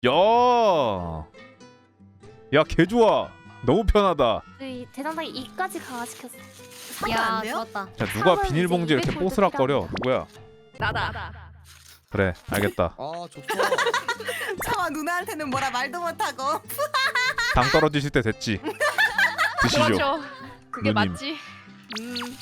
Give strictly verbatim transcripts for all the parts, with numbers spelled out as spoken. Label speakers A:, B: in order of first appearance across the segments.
A: 야, 야, 개 좋아. 너무 편하다.
B: 이 대장당이 이까지 강화시켰어.
C: 사면
D: 야
C: 안 돼요?
D: 좋았다.
A: 야, 누가
B: 사면
A: 비닐봉지
B: 이제
A: 이렇게
B: 이백 골드
A: 뽀스락거려? 누구야?
C: 나다.
A: 그래, 알겠다.
E: 아 좋다.
C: 차마 누나한테는 뭐라 말도 못하고.
A: 당 떨어지실 때 됐지. 드시죠.
F: 그렇죠. 그게
A: 누님.
F: 맞지. 음.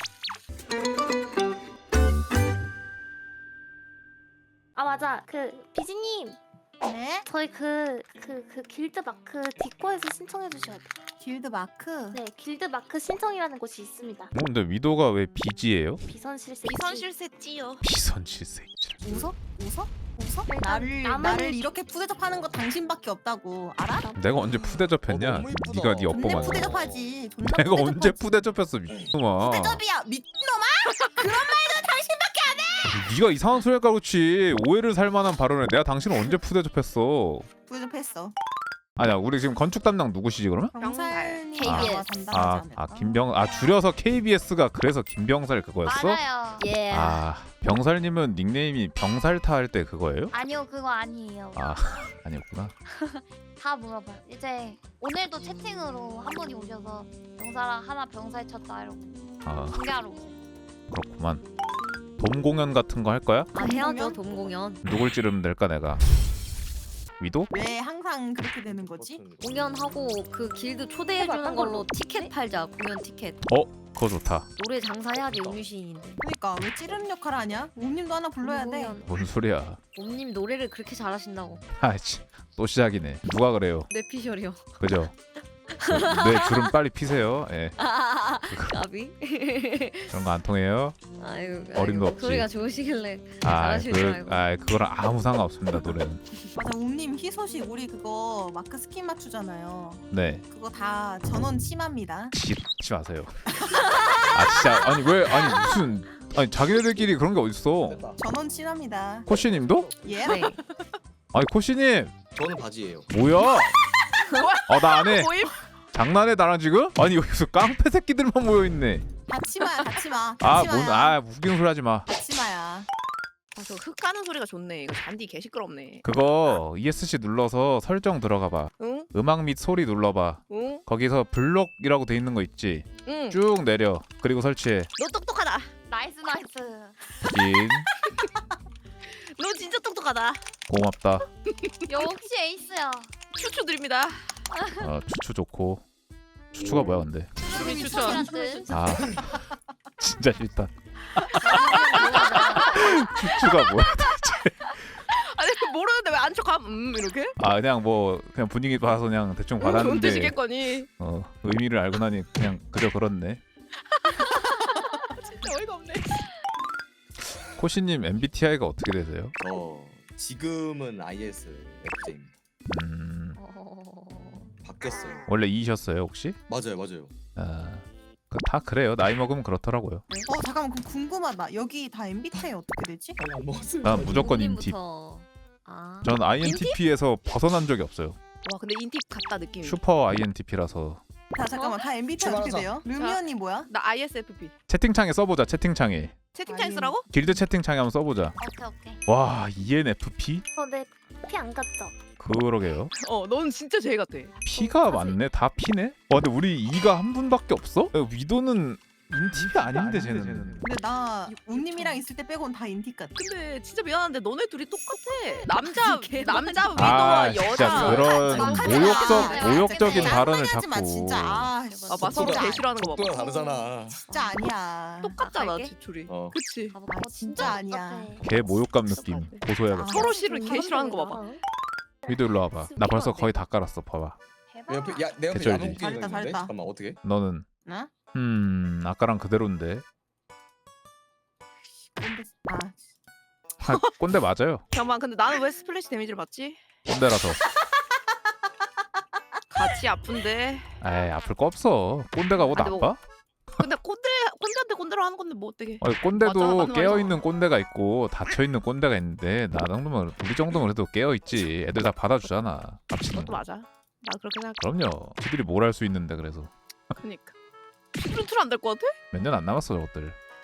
B: 아 맞아. 그 비지님
C: 네?
B: 저희 그 그 그 길드 마크 디코에서 신청해 주셔야 돼.
C: 길드 마크.
B: 네, 길드 마크 신청이라는 곳이 있습니다.
A: 뭐 근데 위도가 왜 비지예요?
B: 비선실세.
F: 비선실세지요.
A: 비선실세.
C: 웃어? 웃어? 웃어?
B: 일단
C: 나를
B: 남은-
C: 나를 이렇게 푸대접하는 거 당신밖에 없다고 알아?
A: 내가 언제 푸대접했냐?
E: 어, 너무 이쁘다.
A: 네가 네
C: 존내
A: 엇보만.
C: 푸대접하지. 존나
A: 내가
C: 푸대접하지.
A: 언제 푸대접했어, 미친놈아.
C: 푸대접이야 미친놈아. 그런 말도 당신밖에 안 해.
A: 네가 이상한 소리 할까 그렇지. 오해를 살 만한 발언을 내가 당신을 언제 푸대접했어?
C: 푸대접했어.
A: 아니야, 우리 지금 건축 담당 누구시지 그러면?
C: 병살님
D: 케이비에스.
C: 아마 담당하지
A: 아,
C: 않을까?
A: 아 김병 아 줄여서 케이비에스가 그래서 김병살 그거였어?
D: 맞아요. 예.
A: 아, 병살님은 닉네임이 병살타 할 때 그거예요?
D: 아니요 그거 아니에요.
A: 아, 아니었구나.
D: 다 물어봐요. 이제 오늘도 채팅으로 한 분이 오셔서 병사랑 하나 병살 쳤다 이러고
A: 아,
D: 공개하러 오세요.
A: 그렇구만. 돔 공연 같은 거 할 거야?
D: 아 해야죠 돔 공연.
A: 누굴 찌르면 될까 내가? 위도?
C: 왜 항상 그렇게 되는 거지?
D: 공연하고 그 길드 초대해주는 걸로 티켓 팔자. 공연 티켓.
A: 어, 그거 좋다.
D: 노래 장사해야지 음유시인인데.
C: 그러니까 왜 찌르는 역할 하냐? 옴님도 하나 불러야 돼.
D: 공연.
A: 뭔 소리야?
D: 옴님 노래를 그렇게 잘하신다고.
A: 아이씨, 또 시작이네. 누가 그래요?
D: 뇌피셜이요.
A: 그죠? 네, 주름 빨리 피세요. 예,
D: 까비?
A: 그런 거 안 통해요.
D: 아유,
A: 어림도
D: 아유,
A: 없지.
D: 소리가 좋으시길래
A: 아,
D: 잘하실 줄
A: 그,
D: 알고.
A: 아, 그거랑 아무 상관 없습니다 노래는.
C: 맞아 옴님 희소식 우리 그거 마크 스킨 맞추잖아요.
A: 네,
C: 그거 다 전원 침합니다.
A: 치지 마세요. 아 진짜 아니 왜 아니 무슨 아니 자기네들끼리 그런 게 어딨어?
E: 됐다.
C: 전원 친합니다.
A: 코시님도?
C: 예?
D: 네.
A: 아니 코시님
E: 저는 바지예요.
A: 뭐야? 어 나 안 해.
F: 모임?
A: 장난해 나랑 지금? 아니 여기서 깡패 새끼들만 모여 있네.
C: 다치마야 다치마.
A: 아
C: 다치마야.
A: 뭔 아 웃기는 소리 하지 마.
C: 다치마야.
F: 아, 저흙 까는 소리가 좋네. 이거 잔디 개 시끄럽네.
A: 그거 이에스씨 눌러서 설정 들어가봐.
F: 응?
A: 음악 및 소리 눌러봐.
F: 응?
A: 거기서 블록이라고 돼 있는 거 있지.
F: 응.
A: 쭉 내려. 그리고 설치해.
F: 너 똑똑하다.
D: 나이스 나이스.
A: 진
F: 너 진짜 똑똑하다.
A: 고맙다.
D: 역시 에이스야.
F: 추추 드립니다.
A: 어, 추추 좋고. 추추가 뭐야 근데?
F: 추미
C: 추미
F: 추천.
C: 추천.
A: 아 진짜 싫다. 추추가 뭐야?
F: 아니 모르는데 왜 안 척함? 음 이렇게?
A: 아 그냥 뭐 그냥 분위기 봐서 그냥 대충
F: 응,
A: 받았는데
F: 은퇴시겠거니.
A: 어 의미를 알고 나니 그냥 그저 그렇네.
F: 진짜 어이가 없네.
A: 코시님 엠비티아이가 어떻게 되세요?
E: 저 지금은 아이에스에프제입니다.
A: 음
D: 어...
E: 바뀌었어요.
A: 원래 이셨어요 혹시?
E: 맞아요, 맞아요.
A: 아다 그래요. 나이 먹으면 그렇더라고요.
C: 어 잠깐만 그럼 궁금하다. 여기 다 엠비티아이 어떻게 되지?
E: 아니 안 먹었어요.
A: 난 무조건 인팁.
D: 옴님부터. 아.
A: 전 아이엔티피에서 벗어난 적이 없어요.
F: 와 근데 인팁 같다 느낌이.
A: 슈퍼 아이엔티피라서
C: 다 잠깐만 다 엠비티아이 어떻게
E: 출발하자.
C: 돼요? 루미 언니 뭐야?
F: 나 아이에스에프피.
A: 채팅창에 써보자. 채팅창에
F: 채팅창에 쓰라고?
A: 길드 채팅창에 한번 써보자.
D: 오케이 오케이.
A: 와 이엔에프피?
B: 어, 네. 피 안 갔죠?
A: 그러게요.
F: 어, 넌 진짜 제일 같아.
A: P가 많네. 다 P네. 와 근데 우리 E가 한 분밖에 없어? 야, 위도는 인팁이 아닌데 쟤는.
C: 근데 나 옴님이랑 있을 때 빼곤 다 인티 같아.
F: 근데 진짜 미안한데 너네 둘이 똑같아. 남자 남자
A: 아
F: 위도와
A: 진짜
F: 여자.
A: 그런
C: 정확하게
A: 모욕적
C: 말해.
A: 모욕적인
C: 진짜
A: 발언을
C: 짱나게 하지 마,
A: 자꾸.
C: 진짜 아,
F: 아 맞서로
C: 진짜
F: 개 싫어하는 거
E: 속도가
F: 봐봐.
E: 다르잖아.
C: 진짜 아니야.
F: 똑같잖아
D: 갈게?
F: 지출이.
E: 어.
F: 그치.
D: 아,
C: 아, 진짜 아니야.
A: 개 모욕감 느낌. 고소해야겠어.
F: 서로 싫은 개 싫어하는 거 봐봐.
A: 위도 일로 와봐. 나 벌써 거의 다 깔았어. 봐봐.
E: 내 옆에 야, 내 옆에
A: 개쩔지.
E: 야동 끼는
C: 잘했다,
E: 있는데.
C: 잘했다.
E: 잠깐만 어떻게?
A: 너는
C: 나?
A: 음 아까랑 그대로인데.
C: 뭔데? 아
A: 아, 꼰대 맞아요.
F: 잠깐만 근데 나는 왜 스플래시 데미지를 받지?
A: 꼰대라서.
F: 같이 아픈데.
A: 에이 아플 거 없어. 꼰대가 뭐
F: 아, 근데
A: 나빠?
F: 근데 꼰대 꼰대한테 꼰대로 하는 건데 뭐 어떻게?
A: 아니,
F: 맞아,
A: 꼰대도
F: 맞는
A: 깨어
F: 말이잖아.
A: 있는 꼰대가 있고 닫혀 있는 꼰대가 있는데 나 정도면 우리 정도면 그래도 깨어 있지. 애들 다 받아주잖아. 합치는
F: 그것도
A: 거.
F: 맞아. 나 그렇게 생각.
A: 그럼요. 지들이 뭘 할 수 있는데 그래서
F: 그니까. 스프린트는 안될 것 같아?
A: 몇 년 안 남았어 저것들.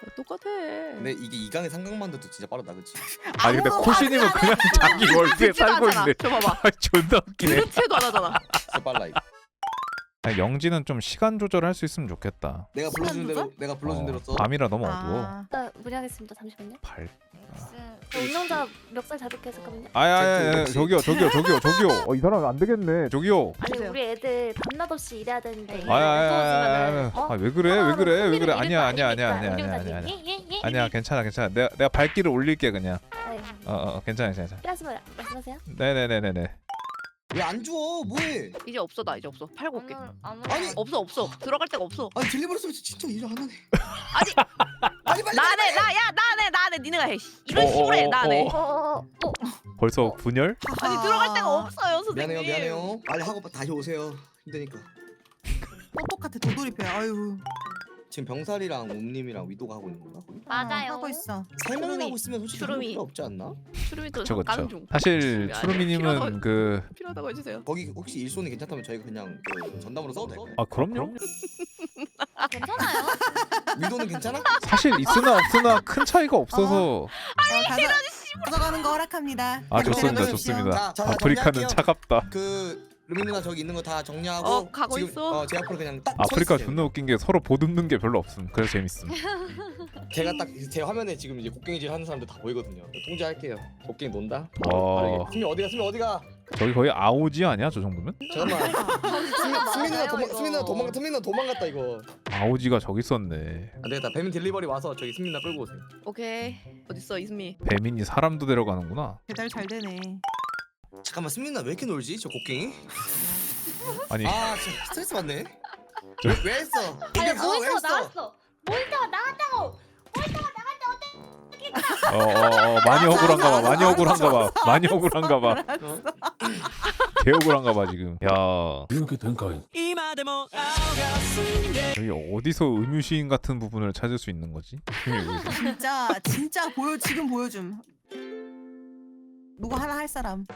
F: 똑같아.
E: 근데 이게 이강의 삼각만두도 진짜 빠르다, 그렇지?
A: 아니 근데 코시님은 그냥 자기 월드에
F: 듣지도
A: 살고
F: 않잖아.
A: 있네.
F: 저 봐봐.
A: 아, 존나 웃기네.
F: 그렇지도 안 하잖아.
E: 진짜 빨라 이거.
A: 아니, 영지는 좀 시간 조절할 수 있으면 좋겠다.
E: 내가 불러준
C: 시간
E: 대로
C: 조절?
E: 내가 불러준
A: 어,
E: 대로 써.
A: 밤이라 너무 어두워.
C: 아,
B: 나 무리하겠습니다. 잠시만요.
A: 발.
B: 저 운영자 멱살 잡을게 잠깐만요.
A: 아야야야 저기요 저기요 저기요 저기요. 어, 이 사람 안 되겠네. 저기요.
B: 아니
F: 주세요.
B: 우리 애들 밤낮 없이 일해야 되는데 이거
A: 아야야야야.
B: 어?
A: 아 왜 그래 왜
B: 하나하나
A: 그래 왜
B: 흥미를
A: 그래 아니야
B: 잃을 거
A: 아니야 아니야
B: 아니니까,
A: 아니야 아니야
B: 운영자님.
A: 아니야
B: 예, 예, 예.
A: 아니야 괜찮아 괜찮아 내가 내가 발길을 올릴게 그냥.
B: 아유,
A: 어어 괜찮아 괜찮아.
B: 필요하시면 말씀하세요.
A: 네네네네네.
E: 왜 안 줘? 뭐해?
F: 이제 없어 나 이제 없어. 팔고 올게.
D: 오늘 안
E: 아니,
D: 오늘
F: 없어 없어. 들어갈 데가 없어.
E: 아니 딜리버리 서비스 진짜 일 안 하네.
F: 아니
E: 빨리 빨리.
F: 나네 나야 나네 나네 니네가 해. 이런
A: 어,
F: 식으로
A: 어,
F: 해
A: 어,
F: 나네.
A: 어.
B: 어, 어, 어.
A: 벌써 분열?
F: 아니 들어갈 데가 없어요 선생님.
E: 미안해요 미안해요. 빨리 하고 다시 오세요. 힘드니까.
C: 똑똑같아 도돌이패. 아유.
E: 지금 병살이랑 옴님이랑 위도가 하고 있는 건가? 거기?
D: 맞아요.
C: 하고 있어.
E: 세 명이
F: 추루미,
E: 하고 있으면 솔직히
F: 추루미.
E: 필요 없지 않나?
F: 추루미도
A: 그쵸
F: 가는
A: 그쵸.
F: 중.
A: 사실
F: 아니야,
A: 추루미님은
F: 필요하다고-
A: 그
F: 필요하다고 해주세요.
E: 거기 혹시 일손이 괜찮다면 저희가 그냥 그 전담으로 써도 될까요?
A: 아 그럼요.
D: 아, 괜찮아요.
E: 위도는 괜찮아?
A: 사실 있으나 없으나 큰 차이가 없어서.
C: 어, 가서 가져가는 거 허락합니다.
A: 아 좋습니다
C: 가져가십시오.
A: 좋습니다.
E: 자, 자, 자,
A: 아프리카는
E: 정리할게요.
A: 차갑다.
E: 그 루미 누나 저기 있는 거 다 정리하고
F: 어, 가고
E: 지금
F: 있어.
E: 어, 제 앞으로 그냥 딱
A: 아프리카
E: 서 있으세요.
A: 존나 웃긴 게 서로 보듬는 게 별로 없음. 그래서 재밌음.
E: 제가 딱 제 화면에 지금 이제 곡괭이질 하는 사람들 다 보이거든요. 통제할게요. 곡괭이 논다.
A: 와.
E: 빠르게. 수미 어디가? 수미 어디가?
A: 저기 거의 아오지 아니야 저 정도면?
E: 잠깐만. 수미 수미 누나 도망
D: 이거.
E: 수미 누나 도망 수미 누나 도망갔다 이거.
A: 아오지가 저기 있었네.
E: 안 되겠다. 배민 딜리버리 와서 저기 수미 누나 끌고 오세요.
F: 오케이. 어딨어 이수미.
A: 배민이 사람도 데려가는구나.
C: 배달 잘 되네.
E: 잠깐만 수미 누나 왜 이렇게 놀지? 저 곡괭이?
A: 아니
E: 아 진짜 스트레스 받네.
A: 저-
E: 왜, 왜 했어?
B: 아니
E: 이게 다 왜
B: 모니터
E: 했어?
B: 나왔어. 모니터가 나왔다고.
A: 어, 어, 어 많이 억울한가 봐. 많이 억울한가 봐. 많이 억울한가 봐.
E: 어?
A: 개 억울한가 봐 지금. 야
G: 이렇게 된가?
A: 여기 어디서 음유시인 같은 부분을 찾을 수 있는 거지? 여기서.
C: 진짜 진짜 보여 지금 보여줌. 누구 하나 할 사람.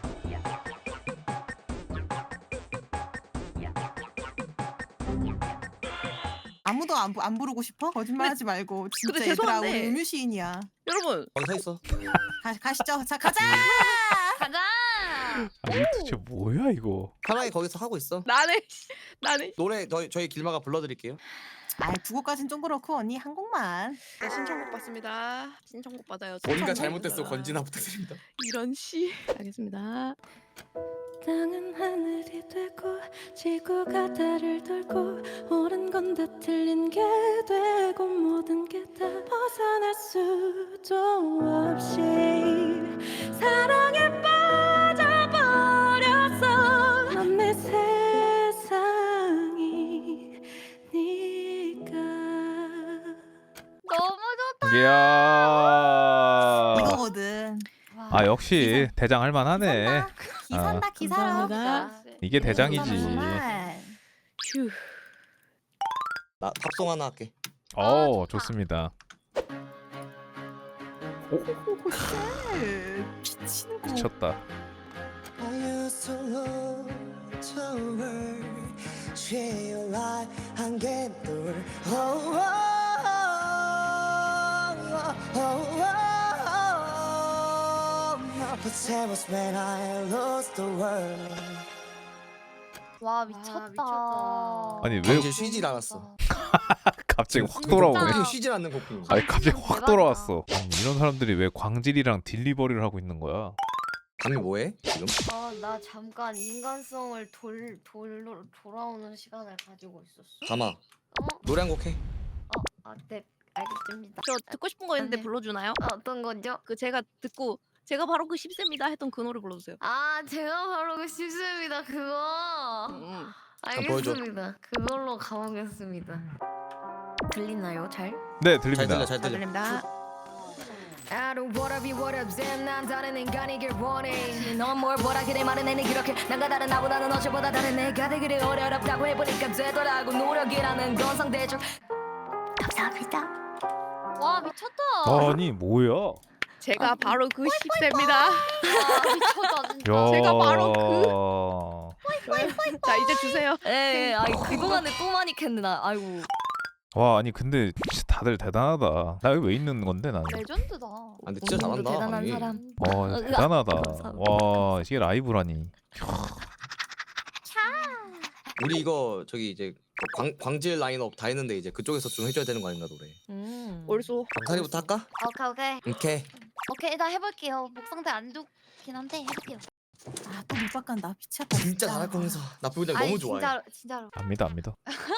C: 아무도 안, 부- 안 부르고 싶어? 거짓말하지 말고 진짜
F: 근데
C: 얘들아
F: 죄송한데.
C: 우리 음유 시인이야.
F: 여러분
E: 거기 서 있어.
C: 가, 가시죠. 자 가자.
D: 가자.
A: 아니 도대체 뭐야 이거?
E: 편하게 거기서 하고 있어.
F: 나네 나네.
E: 노래 저희 저희 길마가 불러드릴게요.
C: 아 두 곡까진 좀 그렇고 언니 한 곡만.
F: 네, 신청곡 받습니다. 신청곡 받아요.
E: 뭔가
F: 신청곡.
E: 잘못됐어 권진아 부탁드립니다.
F: 이런 씨. 알겠습니다.
H: 땅은 하늘이 되고 지구가 달을 돌고 옳은 건 다 틀린 게 되고 모든 게 다 벗어날 수도 없이 사랑에 빠져버렸어 넌 내 세상이 네가
D: 너무 좋다.
A: 이야.
C: 이거거든.
A: 아 역시 대장 할만하네.
C: 기산다 기사라.
H: 감사합니다.
A: 이게 대장이지.
F: 휴.
E: 나 팝송 하나 할게.
A: 어 좋습니다.
C: 미치는 거.
A: 미쳤다.
D: 와 미쳤다.
F: 미쳤다.
A: 아니 왜
E: 당신 쉬질 않았어.
A: 갑자기 확 돌아오네.
E: 곡괭이 쉬질 않는 곡괭이.
A: 아니 갑자기 확
D: 대박이다.
A: 돌아왔어. 아니, 이런 사람들이 왜 광질이랑 딜리버리를 하고 있는 거야?
E: 감이 뭐해 지금?
D: 아, 나 잠깐 인간성을 돌 돌로 돌아오는 시간을 가지고 있었어.
E: 감아
D: 어?
E: 노래 한 곡 해.
D: 어? 아, 네. 알겠습니다.
F: 저 듣고 싶은 거 있는데
D: 네.
F: 불러주나요?
D: 아, 어떤 거죠?
F: 그 제가 듣고 제가 바로 그 십세입니다 했던 그 노래 불러주세요.
D: 아, 제가 바로 그 십세입니다. 그거.
F: 음.
E: 보여줘.
D: 알겠습니다. 그걸로 가보겠습니다. 들리나요? 잘?
A: 네
E: 잘
A: 들립니다.
E: 들려 잘
F: 잘
E: 들려.
F: 들립니다.
H: I don't wanna be what I'm saying 난 다른 인간이길 원해 넌뭘 보라 그래 말은 내내 그렇게 난가 다른 나보다는 어제보다 다른 내가 되기를 어렵다고 해보니까 되더라고 노력이라는 건 상대적 감사합니다.
D: 와, 미쳤다.
A: 아니 뭐야?
F: 제가 바로 그 십세입니다.
D: 아, 미쳤다 진짜.
A: 야.
F: 제가 바로 자 이제 주세요.
H: 예, 아이 그동안에 또 많이 캤나 아이고
A: 와 아니 근데 진짜 다들 대단하다. 나 여기 왜 있는 건데 나는?
D: 레전드다.
E: 아, 근데 진짜
H: 오늘도
E: 잘한다.
H: 대단한
E: 아니.
H: 사람.
A: 어
H: 으아,
A: 대단하다.
H: 감사합니다.
A: 와 이게 라이브라니.
E: 우리 이거 저기 이제 그 광, 광질 라인업 다 했는데 이제 그쪽에서 좀 해줘야 되는 거 아닌가 노래.
H: 음.
F: 얼쏘.
E: 병사리부터 할까?
D: 오케이 오케이
E: 오케이.
D: 오케이 일단 해볼게요. 목 상태 안 좋긴 한데 해볼게요.
C: 아또 밑밥 간다. 미쳤다.
E: 진짜 잘할 거면서 나 부장
D: 아니,
E: 너무 좋아해.
D: 진짜로 진짜로.
A: 안 믿어 안 믿어.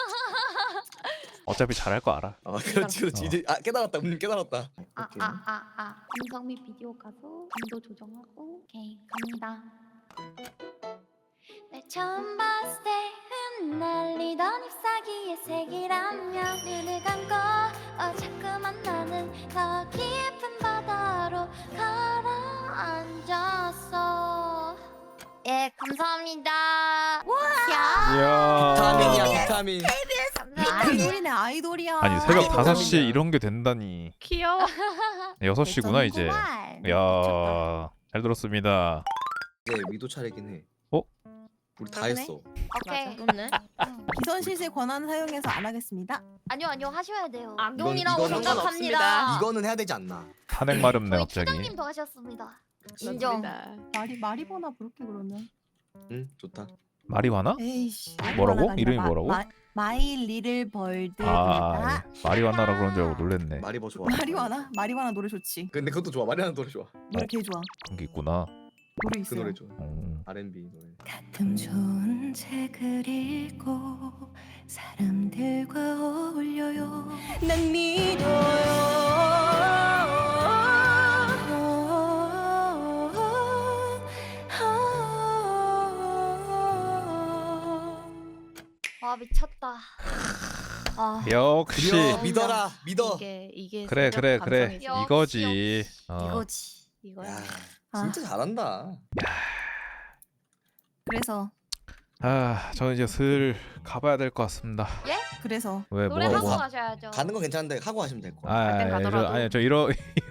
A: 어차피 잘할 거 알아.
E: 아 그렇지 그렇지
A: 어.
E: 이제 아 깨달았다 우님 깨달았다.
D: 아 아 아아 음성 및 비디오 가서 감도 조정하고 오케이 갑니다. 날 처음 봤을 때 흩날리던 잎사귀의 색이라면 눈을 감고 어, 자꾸만 나는 더 깊은 바다로 가라앉았어. 예 감사합니다. 야
A: 이야.
E: 비타민이야 비타민.
D: 감사합니다.
C: 아이돌이네 아이돌이야.
A: 아니 새벽
E: 아이고,
A: 다섯 시에
E: 감사합니다.
A: 이런 게 된다니.
F: 귀여워.
A: 여섯 시구나 이제.
D: 정말.
A: 야, 잘 들었습니다.
E: 이제 미도 차례긴 해.
A: 어?
E: 우리 다
H: 그러네.
E: 했어.
D: 오케이.
H: 좋네.
D: 응.
C: 비선 실세 권한 사용해서 안 하겠습니다.
D: 아니요 아니요 하셔야 돼요.
F: 악용이라고
E: 이거는
F: 생각합니다.
E: 이거는 해야 되지 않나?
A: 탄핵 마렵네
D: 저희
A: 갑자기.
D: 추장님도 하셨습니다.
H: 인정.
C: 말이 말이 보나 부를게 그러면.
E: 응 좋다.
A: 마리화나?
C: 에이씨.
A: 뭐라고?
C: 마리화나가
A: 이름이
C: 아니라
A: 뭐라고?
C: 마, 마이 리를 벌드.
A: 아, 예. 마리화나라 그런 줄 알고 놀랬네.
E: 마리버 좋아.
C: 마리화나? 마리화나 노래 좋지.
E: 근데 그것도 좋아. 마리아나 노래 좋아.
C: 노래 개 좋아.
A: 그런 게 있구나.
C: 노래
E: 그
C: 있어요.
E: 노래 좋아.
A: 음.
E: 알앤비 노래.
H: 가끔 좋은 책을 읽고 사람들과 어울려요. 난 믿어요.
D: 와 미쳤다.
H: 아,
A: 역시.
E: 드디어 믿어라. 믿어.
F: 이게 이게
A: 그래
F: 새벽
A: 그래 그래
F: 감성이지.
D: 역시,
A: 이거지. 어.
H: 이거지.
F: 이거야.
E: 야
C: 아.
E: 진짜 잘한다.
C: 그래서
A: 아 저는 이제 슬 가봐야 될 것 같습니다.
C: 그래서
A: 왜
D: 노래
A: 뭐가
D: 하고
A: 뭐?
D: 가셔야죠.
E: 가는 건 괜찮은데 하고 하시면 될 거야.
A: 아,
F: 갈 땐
A: 아,
F: 가더라도.
A: 저, 아니 저 이러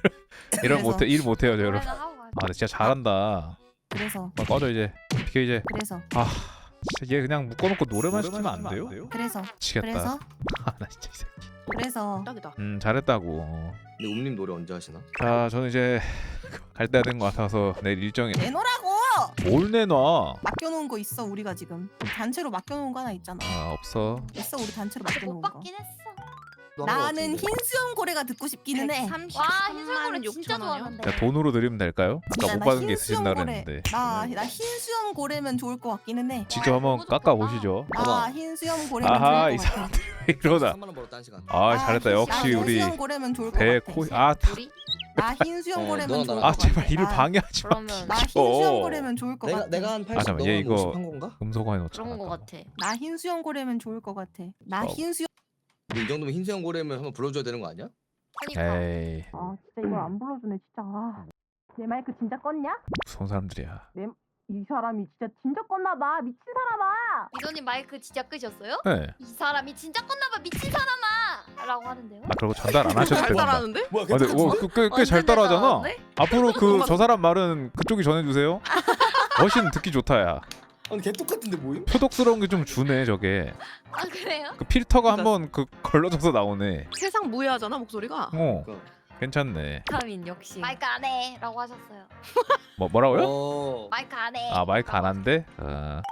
A: 이런
C: 그래서.
A: 못해 일 못해요 저 여러분.
D: 노래는 하고 가죠.
A: 아 근데 진짜 잘한다.
C: 그래서
A: 막 꺼져 이제. 비켜 이제.
C: 그래서
A: 아 진짜 얘 그냥 묶어놓고 노래만 시키면 안 돼요?
C: 그래서
A: 미치겠다.
C: 그래서
A: 아나 진짜 이 새끼.
C: 그래서
F: 딱이다.
A: 음 잘했다고.
E: 근데 옴님 노래 언제 하시나?
A: 자 저는 이제 갈 때가 된 것 같아서 내일 일정이
C: 내놓으라고.
A: 뭘 내놔?
C: 맡겨놓은 거 있어 우리가 지금 단체로 맡겨놓은 거 하나 있잖아.
A: 아 없어.
C: 있어 우리 단체로
D: 못
C: 맡겨놓은 거.
D: 받긴 했어.
E: 또한거
C: 나는
E: 같은데.
C: 흰수염 고래가 듣고 싶기는 해.
D: 와 흰술고래 진짜 좋아하는데.
A: 야 돈으로 드리면 될까요? 아까
C: 나
A: 못 받은 게
C: 흰수염
A: 있으신다
C: 고래.
A: 그랬는데
C: 나, 나 흰수염 고래면 좋을 것 같기는 해.
A: 직접 한번
D: 너무
A: 깎아
D: 좋다.
A: 보시죠.
C: 나
E: 봐봐.
C: 흰수염 고래면
A: 아하 이
C: 좋을 것 같아.
A: 사람들이 왜 이러다.
E: 삼만 원 벌었다 한 시간.
A: 아 잘했다.
C: 흰-
A: 역시
C: 나
A: 우리
C: 흰수염 고래면 좋을 것
A: 배
C: 같아.
A: 코. 아, 다-
D: 우리
C: 나 흰수염
E: 어,
C: 고래면
E: 너나
C: 좋을 것
E: 나랑.
C: 같아.
A: 아 제발 일을
C: 나-
A: 방해하지 마.
H: 그러면
C: 나
A: 미쳐.
C: 흰수염 고래면 좋을 것
E: 내가
C: 같아.
E: 내가 한 팔십
A: 잠깐만,
E: 너가
A: 얘
E: 한
A: 이거-
E: 오십 한 건가?
A: 금속화해 놓자.
H: 그런 거 같아.
C: 나 흰수염 고래면 좋을 것 같아. 나
A: 어.
C: 흰수염.
E: 근데 이 정도면 흰수염 고래면 한번 불러줘야 되는 거 아니야?
D: 그러니까.
A: 에이
C: 아 진짜 이걸 안 불러주네 진짜. 아. 내 마이크 진짜 껐냐?
A: 무서운 사람들이야.
C: 이 사람이 진짜 진짜 껐나 봐. 미친 사람아.
D: 미도님 마이크 진짜 끄셨어요?
A: 네.
D: 이 사람이 진짜 껐나봐 미친 사람아! 라고 하는데요.
A: 아 그리고 전달 안 하셔도
F: 잘
A: 됩니다.
F: 따라하는데?
E: 뭐야?
A: 아, 근데 꽤 잘
H: 완전
A: 따라하잖아.
H: 잘하는데?
A: 앞으로 그 저 사람 말은 그쪽이 전해주세요. 훨씬 듣기 좋다야.
E: 아니 개 똑같은데 뭐임?
A: 표독스러운 게 좀 주네 저게.
D: 아 그래요?
A: 그 필터가 한번 그 걸러져서 나오네.
F: 세상 무해하잖아 목소리가.
A: 어
E: 그러니까.
A: 괜찮네.
H: 타민 역시.
D: 마이크 안 해! 라고 하셨어요.
A: 뭐 뭐라고요?
E: 어.
D: 마이크 안 해!
A: 아 마이크 안 한대? 아.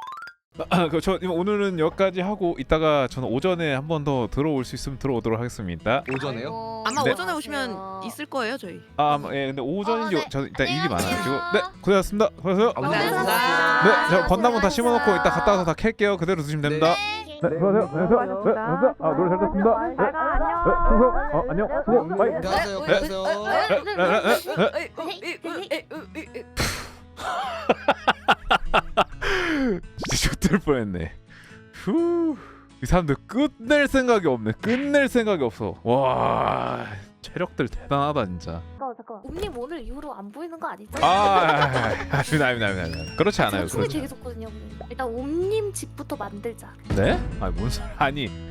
A: 그저 오늘은 여기까지 하고 이따가 저는 오전에 한 번 더 들어올 수 있으면 들어오도록 하겠습니다.
E: 오전에요?
D: 아이고,
F: 아마
A: 네.
F: 오전에 오시면
D: 안녕하세요.
F: 있을 거예요 저희.
A: 아 예 근데 오전인지
D: 어, 네.
A: 저 일단 일이
D: 안녕하세요.
A: 많아가지고 네 고생하셨습니다. 수고하세요.
F: 감사합니다.
A: 네, 저 건담은 다 심어놓고 이따 갔다 와서 다 캘게요. 그대로 드시면 됩니다.
D: 네.
A: 네, 수고하세요. 안녕하세요. 네, 수고하세요. 아 노래 잘 듣습니다. 네, 네, 충성. 어, 안녕. 수고. 바이.
E: 안녕하세요.
A: 네.
E: 안녕하세요.
A: 네, 네, 네, 네. 진짜 좋들 뻔했네. 후. 이 사람들 끝낼 생각이 없네. 끝낼 생각이 없어. 와. 체력들 대단하다 진짜.
B: 잠깐만 잠깐만. 옴님 오늘 이후로 안 보이는 거 아니죠?
A: 아, 아닙니다, 아닙니다, 아닙니다. 그렇지 않아요.
B: 저 춤이
A: 그렇지.
B: 되게 좋거든요. 일단 옴님 집부터 만들자.
A: 네? 아니 뭔 소리? 아니